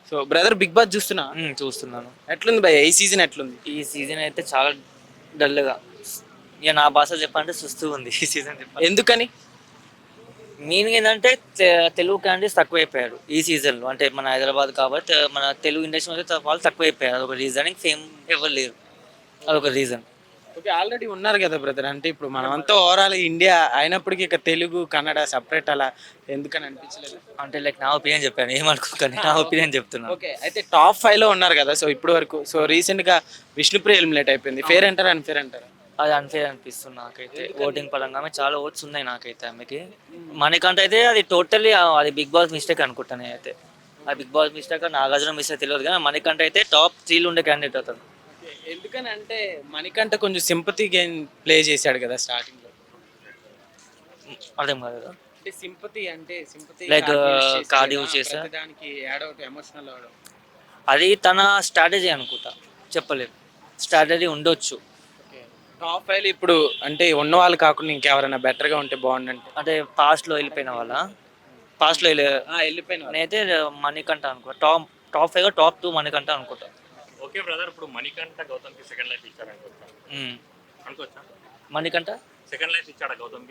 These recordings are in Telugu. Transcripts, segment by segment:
సో బ్రదర్ బిగ్ బాస్ చూస్తున్నా చూస్తున్నాను. ఎట్లుంది భయ్య ఈ సీజన్ ఎట్లుంది? ఈ సీజన్ అయితే చాలా డల్గా, ఇక నా భాష చెప్పాలంటే సుస్తూ ఉంది ఈ సీజన్. చెప్పాలి ఎందుకని? మీనింగ్ ఏంటంటే తెలుగు క్యాండిడేట్స్ తక్కువైపోయారు ఈ సీజన్లో. అంటే మన హైదరాబాద్ కాబట్టి మన తెలుగు ఇండస్ట్రీ మీద వాళ్ళు తక్కువైపోయారు. అదొక రీజన్. ఫేమ్ ఎవరు లేరు, అదొక రీజన్. ఓకే, ఆల్రెడీ ఉన్నారు కదా బ్రదర్. అంటే ఇప్పుడు మనమంతా ఓవరాల్ ఇండియా అయినప్పటికీ ఇక తెలుగు కన్నడ సపరేట్ అలా ఎందుకని అనిపించలేదు? అంటే లైక్ నా ఒపీనియన్ చెప్పాను, ఏమనుకోకండి, నా ఒపీనియన్ చెప్తున్నాను. ఓకే, అయితే టాప్ 5 లో ఉన్నారు కదా. సో ఇప్పుడు వరకు సో రీసెంట్ గా విష్ణుప్రియ ఎలిమినేట్ అయిపోయింది. ఫేర్ అంటారా అన్ఫేర్ అంటారా? అది అన్ఫేర్ అనిపిస్తుంది నాకైతే. ఓటింగ్ పరంగా ఆమె చాలా ఓట్స్ ఉన్నాయి నాకైతే ఆమెకి. మనకంటే అయితే అది టోటల్లీ అది బిగ్ బాస్ మిస్టేక్ అనుకుంటాను అయితే. ఆ Bigg Boss mistake Nagarjuna mistake తెలియదు, కానీ మనకంటే అయితే టాప్ 3లో ఉండే క్యాండిడేట్ అతను. ఎందుకని అంటే మణికంఠ కొంచెం సింపతి గేమ్ ప్లే చేశాడు కదా స్టార్టింగ్ లో. అర్థం కాదు కదా. అంటే సింపతి అంటే సింపతి Like, card use చేసా? దానికి యాడ్ అవుట్ ఎమోషనల్ అవడం. అది తన స్ట్రాటజీ అనుకుంటా, చెప్పలేదు. స్ట్రాటజీ ఉండొచ్చు. టాప్ 5 ఇప్పుడు అంటే ఉన్న వాళ్ళు కాకుండా ఇంకెవరైనా బెటర్ గా ఉంటే బాగుండంటే అంటే పాస్ట్లో వెళ్ళిపోయిన వాళ్ళ, పాస్ట్లో వెళ్ళిపోయిన వాళ్ళు. నేనైతే మణికంఠ అనుకుంటా. టాప్ 5 టాప్ 2 మణికంఠ అనుకుంటా. ఓకే బ్రదర్, ఇప్పుడు మణికంఠ గౌతమ్కి సెకండ్ లైఫ్ ఇచ్చాడు అనుకోవచ్చా? అనుకోవచ్చా? మణికంఠ సెకండ్ లైఫ్ ఇచ్చాడా గౌతమ్కి?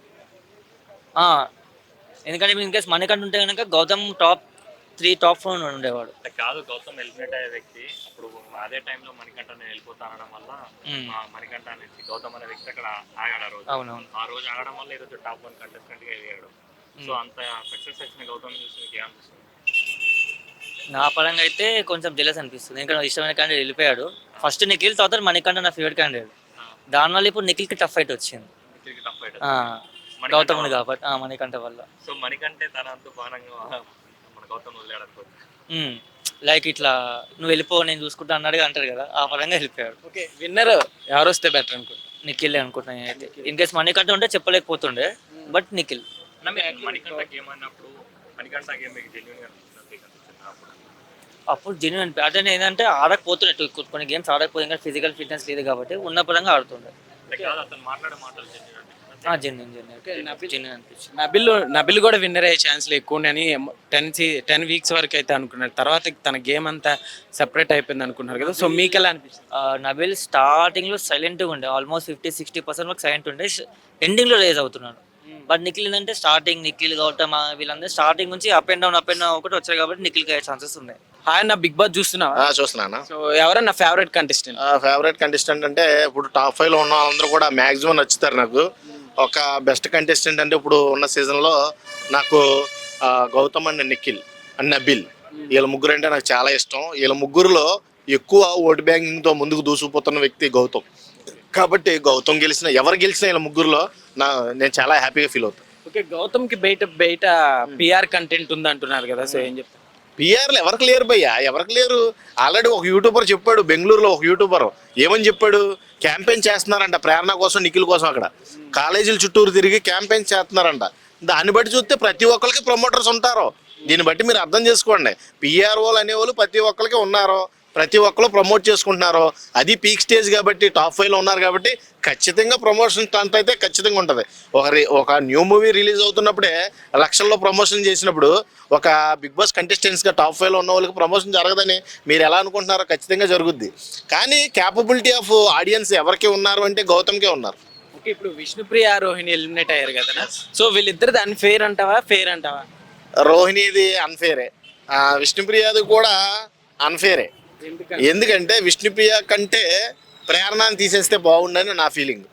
ఎందుకంటే ఇన్ కేస్ మణికంఠ ఉంటే కనుక గౌతమ్ టాప్ 3 టాప్ 4 ఉండేవాడు. అంటే కాదు, గౌతమ్ ఎలిమినేట్ అయ్యే వ్యక్తి అప్పుడు అదే టైంలో మణికంఠ నేను వెళ్ళిపోతానడం వల్ల మణికంఠ అనేది గౌతమ్ అనే వ్యక్తి అక్కడ ఆగాడు ఆ రోజు. అవునవును. ఆ రోజు ఆగడం వల్ల ఈరోజు టాప్ 1 కంటెస్టెంట్గా ఎదిగాడు. సో అంత సక్సెస్ వచ్చిన గౌతమ్ చూసి మీకు ఏమనిపిస్తుంది? నా పరంగా అయితే కొంచెం జెలస్ అనిపిస్తుంది. ఎందుకంటే ఇష్టమైన క్యాండిడేట్ వెళ్ళిపోయాడు. ఫస్ట్ నిఖిల్, తర్వాత మణికంఠ నా ఫేవరెట్ క్యాండిడేట్. దానివల్ల ఇప్పుడు నిఖిల్కి టఫ్ ఫైట్ వచ్చింది. టఫ్ ఫైట్ గౌతమ్ని కాబట్టి మణికంఠ వల్ల. సో మణికంఠే తన అంత బాణంగా మన గౌతమ్ వదిలేడు అనుకోవచ్చు. లైక్ ఇట్లా నువ్వు వెళ్ళిపో నేను చూసుకుంటా అన్నాడుగా అంటారు కదా, ఆ పరంగా వెళ్ళిపోయాడు. ఓకే, విన్నర్ ఎవరు వస్తే బెటర్ అనుకుంటా? నిఖిల్ అనుకుంటున్నాను అయితే. ఇన్ కేస్ మణికంఠ ఉంటే చెప్పలేకపోతుండే, బట్ నిఖిల్. మణికంఠ గేమ్ అన్నప్పుడు మణికంఠ గేమ్ మీకు జెన్యున్ గా అనిపించింది అప్పుడు జెన్యున్ అదే ఏంటంటే ఆడకపోతుండే, కొన్ని గేమ్స్ ఆడకపోతే ఇంకా ఫిజికల్ ఫిట్నెస్ లేదు కాబట్టి ఉన్న పరంగా ఆడుతుండే. అతను మాట్లాడే మాటలు జెన్యున్ అనిపించింది. నబిల్ కూడా విన్నర్ అయ్యే ఛాన్స్లు ఎక్కువ ఉన్నాయని 10 వీక్స్ వరకు అయితే అనుకున్నారు. తర్వాత తన గేమ్ అంతా సెపరేట్ అయిపోయింది అనుకున్నారు కదా. సో మీకు ఎలా అనిపిస్తుంది? నబిల్ స్టార్టింగ్లో సైలెంట్గా ఉండే, ఆల్మోస్ట్ 50-60% వరకు సైలెంట్ ఉండే, ఎండింగ్లో రేజ్ అవుతున్నాడు. బట్ నిఖిల్ ఏంటంటే స్టార్టింగ్ నిఖిల్ గౌతమ్ వీళ్ళందరూ స్టార్టింగ్ నుంచి అప్ అండ్ డౌన్ ఒకటి వచ్చాయి కాబట్టి నిఖిల్కి అయ్యే ఛాన్సెస్ ఉన్నాయి. హాయ్ అన్న, బిగ్ బాస్ చూస్తున్నావా? చూస్తున్నాను. సో ఎవరన్నా ఫేవరెట్ కంటెస్టెంట్? ఫేవరెట్ కంటెస్టెంట్ అంటే ఇప్పుడు టాప్ 5 లో ఉన్న వాళ్ళందరూ కూడా మ్యాక్సిమం నచ్చుతారు నాకు. ఒక బెస్ట్ కంటెస్టెంట్ అంటే ఇప్పుడు ఉన్న సీజన్లో నాకు గౌతమ్ అండ్ నిఖిల్ అండ్ నబిల్, వీళ్ళ ముగ్గురు అంటే నాకు చాలా ఇష్టం. వీళ్ళ ముగ్గురులో ఎక్కువ ఓటు బ్యాంకింగ్తో ముందుకు దూసుకుపోతున్న వ్యక్తి గౌతమ్. కాబట్టి గౌతమ్ ఎవరు గెలిచినా వీళ్ళ ముగ్గురులో నేను చాలా హ్యాపీగా ఫీల్ అవుతాను. ఓకే, గౌతమ్కి బయట పిఆర్ కంటెంట్ ఉంది అంటున్నారు కదా. సో ఏం చెప్తారు? పిఆర్లు ఎవరికి లేరు భయ్యా, ఎవరికి లేరు. ఆల్రెడీ ఒక యూట్యూబర్ చెప్పాడు, బెంగళూరులో ఒక యూట్యూబర్ ఏమని చెప్పాడు, క్యాంపెయిన్ చేస్తున్నారంట ప్రేరణ కోసం, నిఖిల్ కోసం. అక్కడ కాలేజీల చుట్టూరు తిరిగి క్యాంపెయిన్ చేస్తున్నారంట. దాన్ని బట్టి చూస్తే ప్రతి ఒక్కరికి ప్రమోటర్స్ ఉంటారు. దీన్ని బట్టి మీరు అర్థం చేసుకోండి. పిఆర్ఓలు అనేవాళ్ళు ప్రతి ఒక్కరికి ఉన్నారు, ప్రతి ఒక్కరు ప్రమోట్ చేసుకుంటున్నారు. అది పీక్ స్టేజ్ కాబట్టి టాప్ 5 లో ఉన్నారు కాబట్టి ఖచ్చితంగా ప్రమోషన్ స్టంట్ అయితే ఖచ్చితంగా ఉంటుంది. ఒక న్యూ మూవీ రిలీజ్ అవుతున్నప్పుడే లక్షల్లో ప్రమోషన్ చేసినప్పుడు ఒక బిగ్ బాస్ కంటెస్టెంట్స్గా టాప్ 5 లో ఉన్న వాళ్ళకి ప్రమోషన్ జరగదని మీరు ఎలా అనుకుంటున్నారో ఖచ్చితంగా జరుగుద్ది. కానీ క్యాపబిలిటీ ఆఫ్ ఆడియన్స్ ఎవరికి ఉన్నారు అంటే గౌతమ్కే ఉన్నారు. ఓకే, ఇప్పుడు విష్ణుప్రియ రోహిణి ఎలిమినేట్ అయ్యారు కదా. సో వీళ్ళిద్దరిది అన్ఫేర్ అంటావా, ఫేర్ అంటావా? రోహిణిది అన్ఫేరే, విష్ణుప్రియది కూడా అన్ఫేరే. ఎందుకంటే విష్ణుప్రియ కంటే ప్రేరణని తీసేస్తే బాగుండని నా ఫీలింగ్.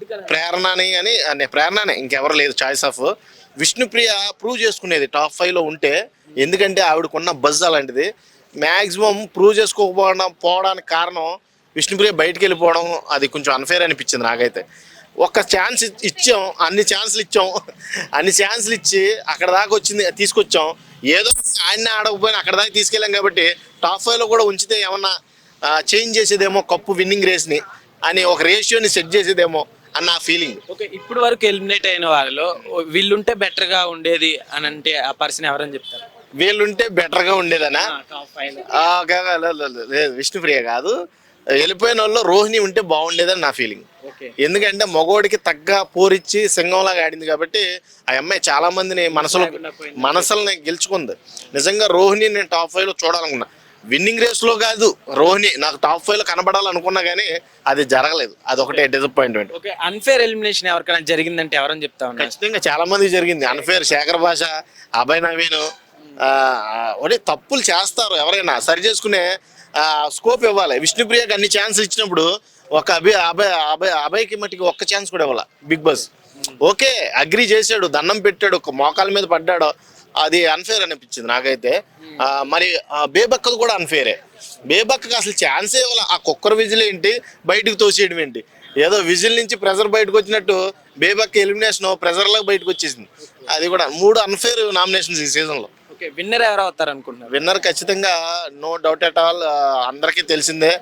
ప్రేరణనే ఇంకెవరు లేదు చాయిస్ ఆఫ్. విష్ణుప్రియ ప్రూవ్ చేసుకునేది టాప్ 5 లో ఉంటే, ఎందుకంటే ఆవిడకున్న బజ్ అలాంటిది. మ్యాక్సిమం ప్రూవ్ చేసుకోకపోవడానికి కారణం విష్ణుప్రియ బయటికి వెళ్ళిపోవడం, అది కొంచెం అన్ఫేర్ అనిపించింది నాకైతే. ఒక్క ఛాన్స్ ఇచ్చాం, అన్ని ఛాన్స్లు ఇచ్చి అక్కడ దాకా తీసుకొచ్చాం. ఏదో ఆయన ఆడకపోయినా అక్కడ దాకా తీసుకెళ్ళాం కాబట్టి టాప్ 5 లో కూడా ఉంచితే ఏమన్నా చేంజ్ చేసేదేమో, కప్పు విన్నింగ్ రేస్ని అని ఒక రేషియోని సెట్ చేసేదేమో అన్న ఫీలింగ్. ఓకే, ఇప్పుడు వరకు ఎలిమినేట్ అయిన వాళ్ళలో వీళ్ళుంటే బెటర్గా ఉండేది అని అంటే ఆ పర్సన్ ఎవరని చెప్తారు? వీళ్ళుంటే బెటర్గా ఉండేదనా? లేదు, విష్ణుప్రియ కాదు. వెళ్ళిపోయిన వాళ్ళు రోహిణి ఉంటే బాగుండేదని నా ఫీలింగ్. ఓకే. ఎందుకంటే మగోడికి తగ్గ పోరిచ్చి సింగంలాగా ఆడింది కాబట్టి ఆ అమ్మాయి చాలా మందిని మనసులని గెలుచుకుంది. నిజంగా రోహిణి నేను టాప్ 5 లో చూడాలనుకున్నా, విన్నింగ్ రేస్ లో కాదు, రోహిణి నాకు టాప్ 5 లో కనబడాలనుకున్నా కానీ అది జరగలేదు. అదొకటే డిసప్పాయింట్మెంట్. ఓకే, అన్ఫేర్ ఎలిమినేషన్ ఎవరికైనా జరిగిందంటే ఎవరని చెప్తా ఉన్నారు? ఖచ్చితంగా చాలా మంది జరిగింది అన్ఫేర్. శేఖర్ భాష, అభయ్ నవీన్ ఒడే తప్పులు చేస్తారు, ఎవరైనా సరి చేసుకునే స్కోప్ ఇవ్వాలి. విష్ణుప్రియకి అన్ని ఛాన్స్ ఇచ్చినప్పుడు ఒక అభయ్కి మట్టికి ఒక్క ఛాన్స్ కూడా ఇవ్వాలి బిగ్ బాస్. ఓకే, అగ్రి చేశాడు, దండం పెట్టాడు, ఒక మోకాల మీద పడ్డాడు, అది అన్ఫేర్ అనిపించింది నాకైతే. మరి బేబక్కది కూడా అన్ఫేరే. బేబక్కకి అసలు ఛాన్సే ఇవ్వాలి. ఆ కుక్కర్ విజిల్ ఏంటి, బయటకు తోసేయడం ఏంటి, ఏదో విజిల్ నుంచి ప్రెజర్ బయటకు వచ్చినట్టు బేబక్క ఎలిమినేషన్ ప్రెజర్లోకి బయటకు వచ్చేసింది. అది కూడా 3 అన్ఫేర్ నామినేషన్స్ ఈ సీజన్లో. ఓకే, విన్నర్ ఎవరు అవుతారు అనుకుంటున్నారు? విన్నర్ ఖచ్చితంగా నో డౌట్ ఎట్ ఆల్, అందరికీ తెలిసిందే,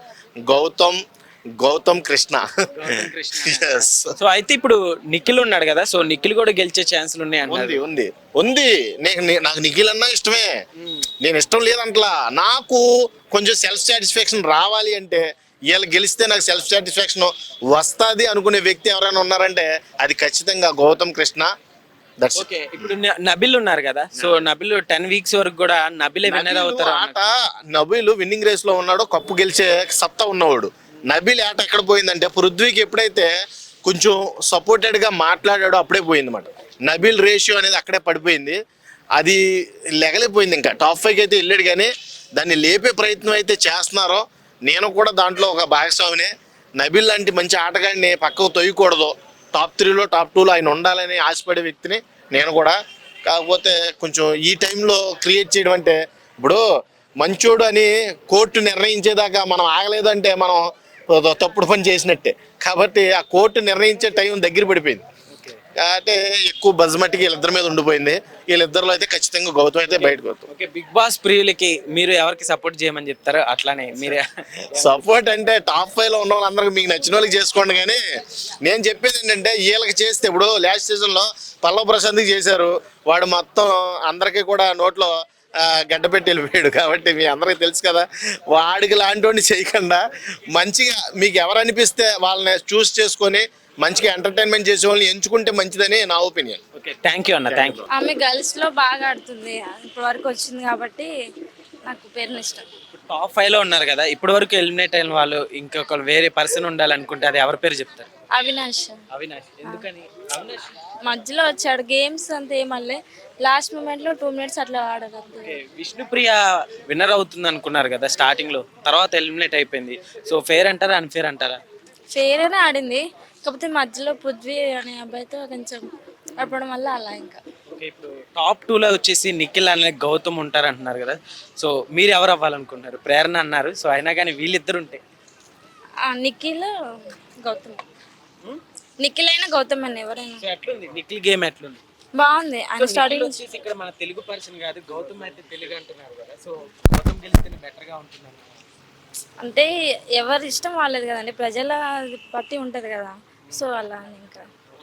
గౌతమ్ కృష్ణ. Yes. సో అయితే ఇప్పుడు నిఖిల్ ఉన్నాడు కదా, సో నిఖిల్ కూడా గెలిచే ఛాన్సులు ఉన్నాయి అన్నారు. ఉంది. నాకు నిఖిల్ అన్నా ఇష్టమే, నేను ఇష్టం లేదంటలా. నాకు కొంచెం సెల్ఫ్ సాటిస్ఫాక్షన్ రావాలి అంటే, వీళ్ళు గెలిస్తే నాకు సెల్ఫ్ సాటిస్ఫాక్షన్ వస్తుంది అనుకునే వ్యక్తి ఎవరైనా ఉన్నారంటే అది ఖచ్చితంగా గౌతమ్ కృష్ణ. ఓకే, ఇప్పుడు నబిల్ ఉన్నారు కదా, సో నబిల్ 10 వీక్స్ వరకు కూడా నబిలే విన్నర్ అవుతారు. నబిల్ విన్నింగ్ రేస్ లో ఉన్నాడు, కప్పు గెలిచే సత్తా ఉన్నవాడు. నబిల్ ఆట ఎక్కడ పోయిందంటే పృథ్వీకి ఎప్పుడైతే కొంచెం సపోర్టెడ్ గా మాట్లాడాడో అప్పుడే పోయింది అన్నమాట. నబిల్ రేషియో అనేది అక్కడే పడిపోయింది, అది లెగలేపోయింది. ఇంకా టాప్ 5 అయితే వెళ్ళాడు కానీ దాన్ని లేపే ప్రయత్నం అయితే చేస్తున్నారో, నేను కూడా దాంట్లో ఒక భాగస్వామినే. నబిల్ లాంటి మంచి ఆటగాడిని పక్కకు తొయ్యకూడదు, టాప్ 3లో టాప్ 2లో ఆయన ఉండాలని ఆశపడే వ్యక్తిని నేను కూడా. కాకపోతే కొంచెం ఈ టైంలో క్రియేట్ చేయడం అంటే, ఇప్పుడు మంచోడు అని కోర్టు నిర్ణయించేదాకా మనం ఆగలేదు అంటే మనం తప్పుడు పని చేసినట్టే. కాబట్టి ఆ కోర్టు నిర్ణయించే టైం దగ్గర పడిపోయింది అంటే ఎక్కువ బజ్మట్టికి వీళ్ళిద్దరి మీద ఉండిపోయింది. వీళ్ళిద్దరిలో అయితే ఖచ్చితంగా గౌతమ్ అయితే బయటకు వస్తాం. ఓకే, బిగ్ బాస్ ప్రియులకి మీరు ఎవరికి సపోర్ట్ చేయమని చెప్తారు? అట్లానే మీరే సపోర్ట్ అంటే టాప్ 5లో ఉన్న వాళ్ళందరికీ మీకు నచ్చిన వాళ్ళకి చేసుకోండి. కానీ నేను చెప్పేది ఏంటంటే, వీళ్ళకి చేస్తే ఇప్పుడు లాస్ట్ సీజన్లో పల్లవ్ ప్రశాంత్కి చేశారు, వాడు మొత్తం అందరికీ కూడా నోట్లో గడ్డ పెట్టి వెళ్ళిపోయాడు. కాబట్టి మీ అందరికీ తెలుసు కదా, వాడికి లాంటి వాడిని చేయకుండా మంచిగా మీకు ఎవరు అనిపిస్తే వాళ్ళని చూస్ చేసుకొని మంచిగా ఎంటర్టైన్మెంట్ చేసే వాళ్ళని ఎంచుకుంటే మంచిదని నా ఒపీనియన్. ఓకే, థ్యాంక్ యూ అన్న, థ్యాంక్ యూ. ఆమె గర్ల్స్ లో బాగా ఆడుతుంది, ఇప్పటి వరకు వచ్చింది కాబట్టి నాకు పేరుని ఇష్టం. టాప్ 5లో ఉన్నారు కదా, ఇప్పటి వరకు ఎలిమినేట్ అయిన వాళ్ళు ఇంకొక వేరే పర్సన్ ఉండాలనుకుంటే అది ఎవరి పేరు చెప్తారు? అవినాష్. ఎందుకని? అవినాష్ మధ్యలో వచ్చాడు, గేమ్స్ అంతా ఏమల్లే, లాస్ట్ మూమెంట్ లో 2 minutes అట్లా ఆడదు. విష్ణుప్రియ విన్నర్ అవుతుంది అనుకున్నారు కదా స్టార్టింగ్ లో, తర్వాత ఎలిమినేట్ అయిపోయింది. సో ఫేర్ అంటారా అన్ఫేర్ అంటారా? ఫెయిర్ గానే ఆడింది, కాకపోతే మధ్యలో పృథ్వీ అనే అబ్బాయితో కొంచెం ఆడపడం వల్ల అలా. ఇంకా ఓకే, ఇప్పుడు టాప్ 2లో వచ్చేసి నిఖిల్ అనే గౌతమ్ ఉంటారు అంటున్నారు కదా, సో మీరు ఎవరు అవ్వాలనుకుంటున్నారు? ప్రేరణ అన్నారు, సో అయినా కానీ వీళ్ళిద్దరు ఉంటే నిఖిల్ గౌతమ్, నిఖిల్ అయినా గౌతమ్ అని ఎవరైనా. సో ఎట్లుంది నిఖిల్ గేమ్, ఎట్లుంది? బాగుంది. ఆయన స్టార్టింగ్ వచ్చేసి ఇక్కడ మన తెలుగు పర్సన్ కాదు, గౌతమ్ అయితే తెలుగు అంటున్నారు కదా, సో గౌతమ్ గెలిస్తేనే బెటర్ గా ఉంటున్నారు. అంటే ఎవరి ఇష్టం వాళ్ళది కదండి, ప్రజల బట్టి ఉంటది కదా, సో అలా అని. ఇంకా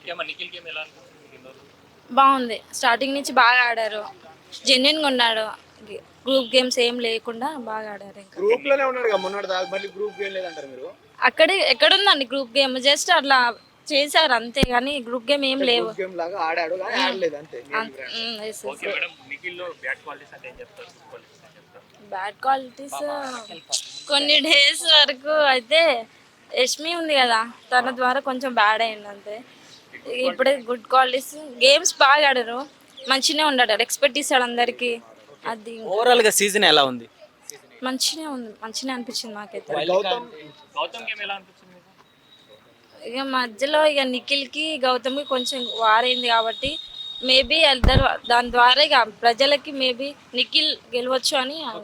బాగుంది, స్టార్టింగ్ నుంచి బాగా ఆడారు, జెన్యున్గా ఉన్నాడు, గ్రూప్ గేమ్స్ ఏం లేకుండా బాగా ఆడారు. ఇంకా గ్రూప్ లోనే ఉన్నాడు కదా మొన్నటి దాకా, మళ్ళీ గ్రూప్ గేమ్ లేదంటారు మీరు? అక్కడే ఎక్కడుందండి గ్రూప్ గేమ్, జస్ట్ అట్లా చేశారు అంతే, కానీ గ్రూప్ గేమ్ ఏం లేవు. గేమ్ లాగా ఆడాడు కానీ ఆడలేదు అంతే. బ్యాడ్ క్వాలిటీస్ కొన్ని డేస్ వరకు అయితే యష్మి ఉంది కదా, తన ద్వారా కొంచెం బ్యాడ్ అయింది అంతే. ఇప్పుడే గుడ్ క్వాలిటీస్, గేమ్స్ బాగా ఆడారు, మంచిగానే ఉన్నాడు, ఎక్స్పెక్ట్ చేశాడు అందరికి. అది ఓవరాల్ గా సీజన్ ఎలా ఉంది? మంచిగానే ఉంది, మంచిగానే అనిపించింది నాకైతే. ఇక మధ్యలో ఇక నిఖిల్కి గౌతమ్కి కొంచెం వారైంది కాబట్టి మేబీ ఇద్దరు దాని ద్వారా ఇక ప్రజలకి మేబీ నిఖిల్ గెలవచ్చు అని